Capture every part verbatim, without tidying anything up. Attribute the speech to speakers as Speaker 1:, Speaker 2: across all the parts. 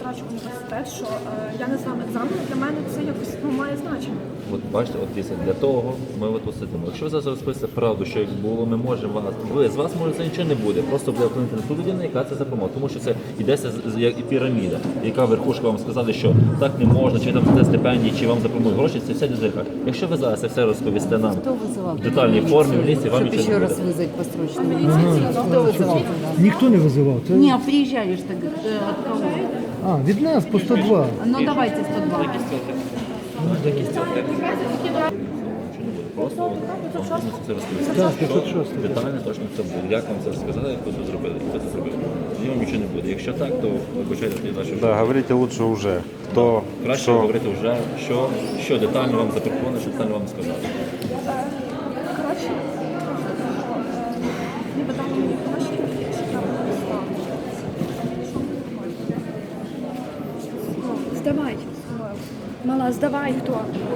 Speaker 1: закінчуючи університет, що е, я не знаю екзамен, для мене це якось ну, має значення.
Speaker 2: От бачите, от дійсно, для того ми от тут сидимо. Якщо ви зараз розповісите правду, що як було, ми можемо вас. Ви з вас може це нічого не буде. Просто буде вплинути на ту людину, яка це запоможе. Тому що це йдеться з- з- як і піраміда, яка верхушка вам сказали, що так не можна, чи там за стипендії, чи вам запропонують гроші, це все дизелька. Якщо ви зараз це все розповісте нам
Speaker 3: Кто вызывал?
Speaker 2: в детальній формі, в лісі, вам
Speaker 3: Чтобы
Speaker 2: нічого
Speaker 3: еще
Speaker 2: не
Speaker 3: раз
Speaker 2: буде.
Speaker 3: вызвать по срочному. Кто вызывал туда?
Speaker 4: Ніхто не визивав. Це...
Speaker 3: Не, а приезжали ж тогда, э, от кого?
Speaker 4: А, від нас по сто два.
Speaker 3: Ну давайте сто два.
Speaker 2: Просто вам потрібно це розповісти.
Speaker 4: Так, п'ятсот шість.
Speaker 2: Що детально точно це буде. Як вам це сказали, як ви це зробили, як ви це зробили. Тоді вам нічого не буде. Якщо так, то вибачайте тоді далі.
Speaker 5: Да, говорите лучше уже. Кто,
Speaker 2: Краще
Speaker 5: что,
Speaker 2: говорити вже, що, що детально вам запропонували, що детально вам сказали.
Speaker 1: Коротше, ніби дали мені гроші, я написала. Здавай. Мала, здавай хто.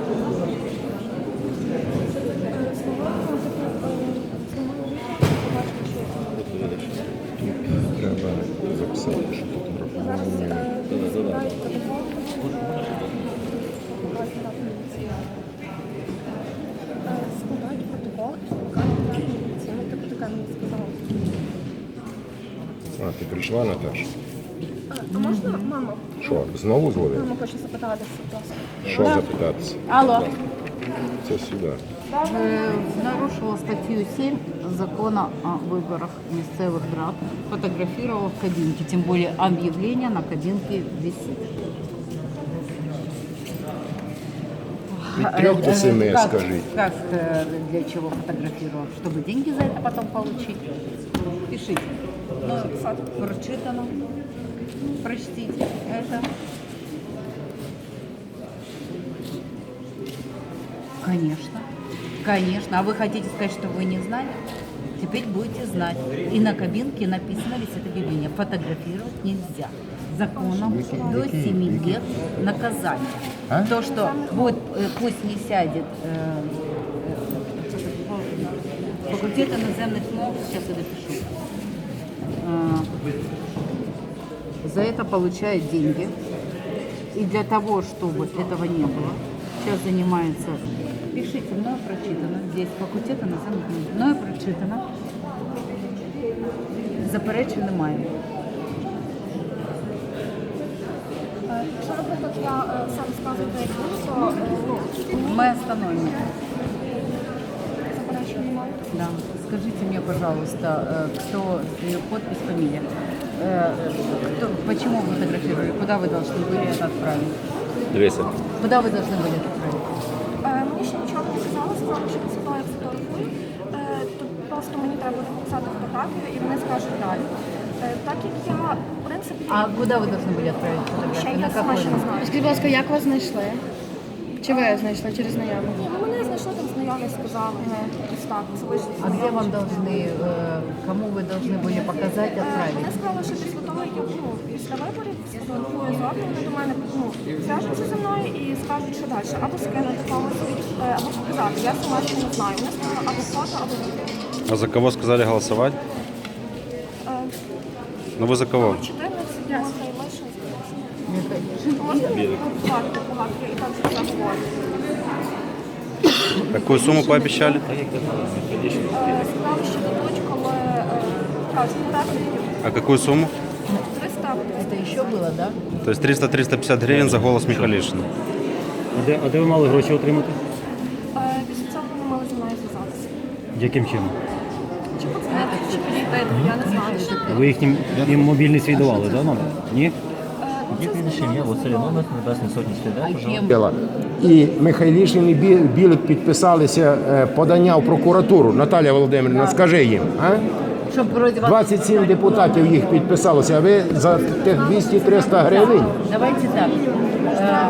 Speaker 2: От ви видиш.
Speaker 5: треба записати, що фотографували.
Speaker 2: Да-да-да.
Speaker 1: Складають протокол і викликають міліцію. Ну, так така мені сказала.
Speaker 6: А, ти прийшла, Наташа?
Speaker 1: А можна, мамо?
Speaker 6: Що, знову дзвонив?
Speaker 1: Мама хоче запитатися, будь ласка.
Speaker 6: Що запитатися?
Speaker 3: Алло.
Speaker 6: Це сюди.
Speaker 3: Э, нарушила статью семь закона о выборах местных рад, фотографировала в кабинке, тем более объявление на кабинке висит.
Speaker 6: Від трьох до семи,
Speaker 3: Как-
Speaker 6: скажіть.
Speaker 3: Как, э, для чего фотографировал? Чтобы деньги за это потом получить? Пишите. Ну, прочитано. Прочтите это. Конечно. Конечно. А вы хотите сказать, что вы не знали? Теперь будете знать. И на кабинке написано висит объявление. Фотографировать нельзя. Законом до семи лет наказание.
Speaker 6: А?
Speaker 3: То, что будет, э, пусть не сядет э, э, факультет иноземных наук, сейчас я допишу. Э, За это получает деньги. И для того, чтобы этого не было, сейчас занимается, пишите, мною прочитано, здесь факультет іноземних наук, мною прочитано, заперечень немає.
Speaker 1: Е, Якщо, наприклад, я е, сам сказую про якусь, то е, ну,
Speaker 3: Мы остановим.
Speaker 1: заперечень немає.
Speaker 3: Да. Скажите мне, пожалуйста, э, кто ее подпись, фамилия? Э, кто, почему вы фотографировали? Куда вы должны были это отправить?
Speaker 2: Дивися.
Speaker 3: Куда вы должны были это отправить?
Speaker 1: Е, Мені ще нічого не сказали, сказали, що після того, як фотографую, е, то просто мені треба написати фотографію і вони скажуть далі. Е, Так як я, в принципі,
Speaker 3: А куда вы должны были отправить
Speaker 1: ще
Speaker 3: фотографию?
Speaker 1: я
Speaker 3: На
Speaker 1: сама
Speaker 3: какой
Speaker 1: ще не
Speaker 3: номер?
Speaker 1: знаю.
Speaker 7: Скажіть, будь ласка, як вас знайшли? Чи ви знайшли через знайомих?
Speaker 1: Ні, ну мене знайшли там знайомі, сказали, ось так, це вийшло
Speaker 3: А где вам должны, э, кому вы должны были показать,
Speaker 1: Вони
Speaker 3: отправить?
Speaker 1: сказали, що після того, як я ну, після виборів сфотографую зовні, вони до мене ну, зв'яжуться зі мною і скажуть, що далі. Або скинути когось, е, або показати. Я сама ще не знаю. Вони сказали або фото, або відео.
Speaker 5: А за кого сказали голосовать?
Speaker 1: Е,
Speaker 5: Ну вы за кого?
Speaker 1: чотирнадцять, можна і лише.
Speaker 3: Михаил.
Speaker 1: Можна багато, багато, і так за все говорю.
Speaker 5: Какую сумму пообещали?
Speaker 2: Так як ти знала, Михайлішин
Speaker 1: Е, Сказали, що дадуть, коли е, кажуть, перегляді
Speaker 5: А какую сумму?
Speaker 1: триста або триста.
Speaker 3: Это еще было, да?
Speaker 5: То есть триста триста пятьдесят гривен за голос Михалишина.
Speaker 4: А де, а де ви мали гроші отримати?
Speaker 1: Е, Після цього вони мали зі мною зв'язатися.
Speaker 4: Яким чином?
Speaker 1: Чи подзвонити, чи підійти, я не знаю.
Speaker 4: Ви їхнім їм мобільний свій давали, да, номер? Ні?
Speaker 1: Е, ну,
Speaker 2: Є
Speaker 1: це
Speaker 2: прізвище ім'я, Василь Номер, Небесний Сотні слідах.
Speaker 3: А кем?
Speaker 6: І Михайлішин і Бі- Білик підписалися е, подання в прокуратуру. Наталя Володимирівна, скажи їм. А?
Speaker 3: Чтобы вроде вас...
Speaker 6: двадцять сім депутатів їх підписалося, а ви за тих двісті-триста гривень?
Speaker 3: Давайте так. Э,